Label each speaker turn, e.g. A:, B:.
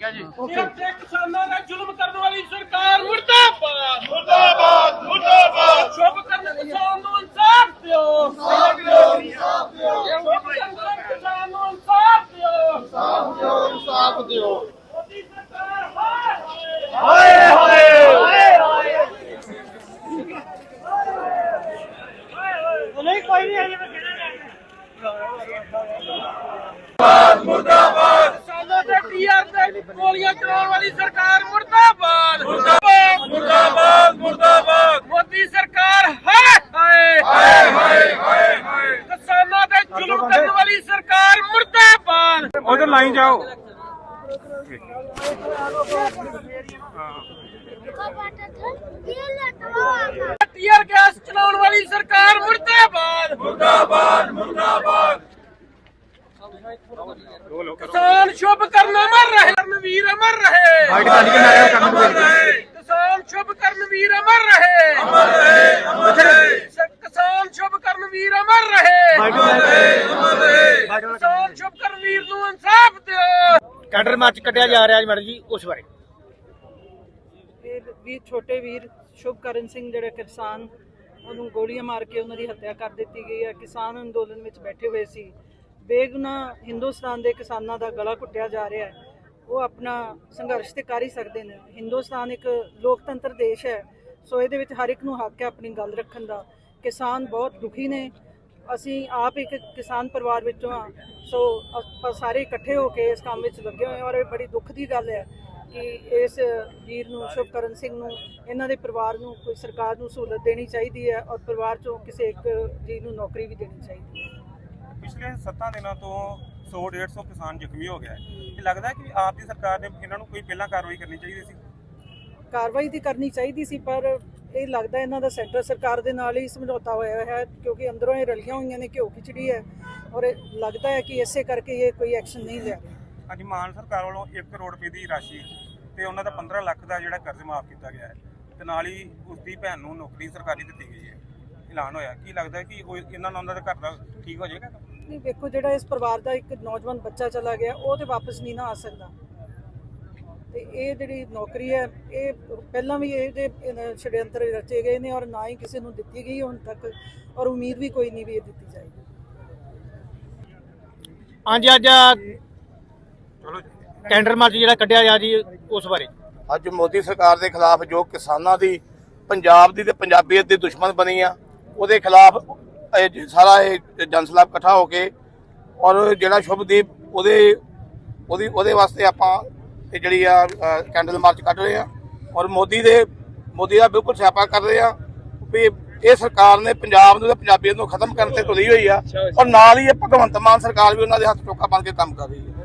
A: ठीक है जी।
B: किसानों का जुल्म करने वाली सरकार मुर्दाबाद मुर्दाबाद मुर्दाबाद। शुभ करने किसान को इंसाफ दो, शुभ करने किसान को इंसाफ दो,
C: इंसाफ दो।
B: मोदी सरकार
C: हाय हाय
B: नहीं कोई नहीं
C: मुर्दाबाद
B: किसानों के टीआर पे गोलियां चलाने वाली सरकार मुर्दाबाद मुर्दाबाद
C: मुर्दाबाद मुर्दाबाद
B: मोदी सरकार हाय हाय
C: हाय हाय हाय हाय।
B: किसानों के जुल्म करने वाली सरकार मुर्दाबाद।
A: उधर लाइन जाओ।
B: टीआर गैस चलाने वाली सरकार मुर्दाबाद
C: मुर्दाबाद मुर्दाबाद।
B: किसान शुभ करना मर रहे, कर्मवीर अमर रहे, किसान शुभ कर्मवीर अमर रहे, किसान शुभ कर्मवीर अमर रहे, किसान शुभ कर्मवीर ਨੂੰ इंसाफ ਦਿਓ।
A: कैडर मार्च कटिया जा रहा है मैडम जी, उस बारे
D: ਵੀ ਛੋਟੇ ਵੀਰ ਸ਼ੁਭਕਰਨ ਸਿੰਘ ਜਿਹੜੇ ਕਿਸਾਨ ਉਹਨੂੰ ਗੋਲੀਆਂ ਮਾਰ ਕੇ ਉਹਨਾਂ ਦੀ ਹੱਤਿਆ ਕਰ ਦਿੱਤੀ ਗਈ ਹੈ। ਕਿਸਾਨ ਅੰਦੋਲਨ ਵਿੱਚ ਬੈਠੇ ਹੋਏ ਸੀ, ਬੇਗੁਨਾਹ ਹਿੰਦੁਸਤਾਨ ਦੇ ਕਿਸਾਨਾਂ ਦਾ ਗਲਾ ਘੁੱਟਿਆ ਜਾ ਰਿਹਾ ਹੈ। ਉਹ ਆਪਣਾ ਸੰਘਰਸ਼ ਤੇ ਕਰ ਹੀ ਸਕਦੇ ਨੇ। ਹਿੰਦੁਸਤਾਨ ਇੱਕ ਲੋਕਤੰਤਰ ਦੇਸ਼ ਹੈ, ਸੋ ਇਹਦੇ ਵਿੱਚ ਹਰ ਇੱਕ ਨੂੰ ਹੱਕ ਹੈ ਆਪਣੀ ਗੱਲ ਰੱਖਣ ਦਾ। ਕਿਸਾਨ ਬਹੁਤ ਦੁਖੀ ਨੇ, ਅਸੀਂ ਆਪ ਇੱਕ ਕਿਸਾਨ ਪਰਿਵਾਰ ਵਿੱਚੋਂ ਹਾਂ, ਸੋ ਆਪਾਂ ਸਾਰੇ ਇਕੱਠੇ ਹੋ ਕੇ ਇਸ ਕੰਮ ਵਿੱਚ ਲੱਗੇ ਹੋਏ ਹਾਂ। ਔਰ ਇਹ ਬੜੀ ਦੁੱਖ ਦੀ ਗੱਲ ਹੈ ਕਿ ਇਸ ਵੀਰ ਨੂੰ ਸ਼ੁਭਕਰਨ ਸਿੰਘ ਨੂੰ ਇਹਨਾਂ ਦੇ ਪਰਿਵਾਰ ਨੂੰ ਕੋਈ ਸਰਕਾਰ ਨੂੰ ਸਹੂਲਤ ਦੇਣੀ ਚਾਹੀਦੀ ਹੈ ਔਰ ਪਰਿਵਾਰ ਚੋਂ ਕਿਸੇ ਇੱਕ ਜੀ ਨੂੰ ਨੌਕਰੀ ਵੀ ਦੇਣੀ ਚਾਹੀਦੀ ਹੈ।
E: ਪਿਛਲੇ 7 ਦਿਨਾਂ ਤੋਂ 100-150 ਕਿਸਾਨ ਜ਼ਖਮੀ ਹੋ ਗਿਆ ਹੈ। ਇਹ ਲੱਗਦਾ ਹੈ ਕਿ ਆਪ ਦੀ ਸਰਕਾਰ ਨੇ ਇਹਨਾਂ ਨੂੰ ਕੋਈ ਪਹਿਲਾਂ ਕਾਰਵਾਈ ਕਰਨੀ ਚਾਹੀਦੀ ਸੀ।
D: ਕਾਰਵਾਈ ਤਾਂ ਕਰਨੀ ਚਾਹੀਦੀ ਸੀ, ਪਰ ਇਹ ਲੱਗਦਾ ਇਹਨਾਂ ਦਾ ਸੈਂਟਰ ਸਰਕਾਰ ਦੇ ਨਾਲ ਹੀ ਸਮਝੌਤਾ ਹੋਇਆ ਹੈ, ਕਿਉਂਕਿ ਅੰਦਰੋਂ ਇਹ ਰਲੀਆਂ ਹੋਈਆਂ ਨੇ, ਘਿਓ ਖਿਚੜੀ ਹੈ। ਔਰ ਇਹ ਲੱਗਦਾ ਹੈ ਕਿ ਇਸੇ ਕਰਕੇ ਇਹ ਕੋਈ ਐਕਸ਼ਨ ਨਹੀਂ ਲਿਆ।
E: ਅੱਜ ਮਾਨ ਸਰਕਾਰ ਵੱਲੋਂ 1 ਕਰੋੜ ਰੁਪਏ ਦੀ ਰਾਸ਼ੀ ਤੇ ਉਹਨਾਂ ਦਾ 15 ਲੱਖ ਦਾ ਜਿਹੜਾ ਕਰਜ਼ ਮਾਫ ਕੀਤਾ ਗਿਆ ਹੈ ਤੇ ਨਾਲ ਹੀ ਉਸ ਦੀ ਭੈਣ ਨੂੰ ਨੌਕਰੀ ਸਰਕਾਰੀ ਦਿੱਤੀ ਗਈ ਹੈ, ਐਲਾਨ ਹੋਇਆ। ਕੀ ਲੱਗਦਾ ਕਿ ਉਹ ਇਹਨਾਂ ਨਾਲ ਉਹਨਾਂ ਦੇ ਘਰ ਦਾ ਠੀਕ ਹੋ ਜਾਏਗਾ?
D: ਨਹੀਂ, ਵੇਖੋ ਜਿਹੜਾ ਇਸ ਪਰਿਵਾਰ ਦਾ ਇੱਕ ਨੌਜਵਾਨ ਬੱਚਾ ਚਲਾ ਗਿਆ, ਉਹ ਤੇ ਵਾਪਸ ਨਹੀਂ ਨਾ ਆ ਸਕਦਾ। ਤੇ ਇਹ ਜਿਹੜੀ ਨੌਕਰੀ ਹੈ, ਇਹ ਪਹਿਲਾਂ ਵੀ ਇਹਦੇ ਛੜਯੰਤਰ ਰਚੇ ਗਏ ਨੇ ਔਰ ਨਾ ਹੀ ਕਿਸੇ ਨੂੰ ਦਿੱਤੀ ਗਈ ਹੁਣ ਤੱਕ, ਔਰ ਉਮੀਦ ਵੀ ਕੋਈ ਨਹੀਂ ਵੀ ਇਹ ਦਿੱਤੀ ਜਾਏਗੀ।
A: ਹਾਂਜੀ ਅੱਜ कैंडर मार्च ਜਿਹੜਾ ਕੱਢਿਆ ਜਾ ਜੀ, ਉਸ ਬਾਰੇ
C: ਅੱਜ ਮੋਦੀ ਸਰਕਾਰ ਦੇ ਖਿਲਾਫ ਜੋ ਕਿਸਾਨਾਂ ਦੀ ਪੰਜਾਬ ਦੀ ਤੇ ਪੰਜਾਬੀਅਤ ਦੀ ਦੁਸ਼ਮਣ ਬਣੀ ਆ, ਉਹਦੇ ਖਿਲਾਫ ਸਾਰਾ ਇਹ ਜਨਸਲਾਬ ਇਕੱਠਾ ਹੋ ਕੇ ਔਰ ਜਿਹੜਾ ਸ਼ੁਭਦੀਪ ਉਹਦੇ ਵਾਸਤੇ ਆਪਾਂ ਇਹ ਜਿਹੜੀ ਆ ਕੈਂਡਲ ਮਾਰਚ ਕੱਢ ਰਹੇ ਆ ਔਰ ਮੋਦੀ ਦਾ ਬਿਲਕੁਲ ਸਿਆਪਾ ਕਰ ਰਹੇ ਆ ਵੀ ਇਹ ਸਰਕਾਰ ਨੇ ਪੰਜਾਬ ਨੂੰ ਤੇ ਪੰਜਾਬੀਅਤ ਨੂੰ ਖਤਮ ਕਰਨ ਤੇ ਤੁਲੀ ਹੋਈ ਆ ਔਰ ਨਾਲ ਹੀ ਇਹ ਭਗਵੰਤ ਮਾਨ ਸਰਕਾਰ ਵੀ ਉਹਨਾਂ ਦੇ ਹੱਥ ਚੋਕਾ ਬਣ ਕੇ ਕੰਮ ਕਰ ਰਹੀ ਹੈ।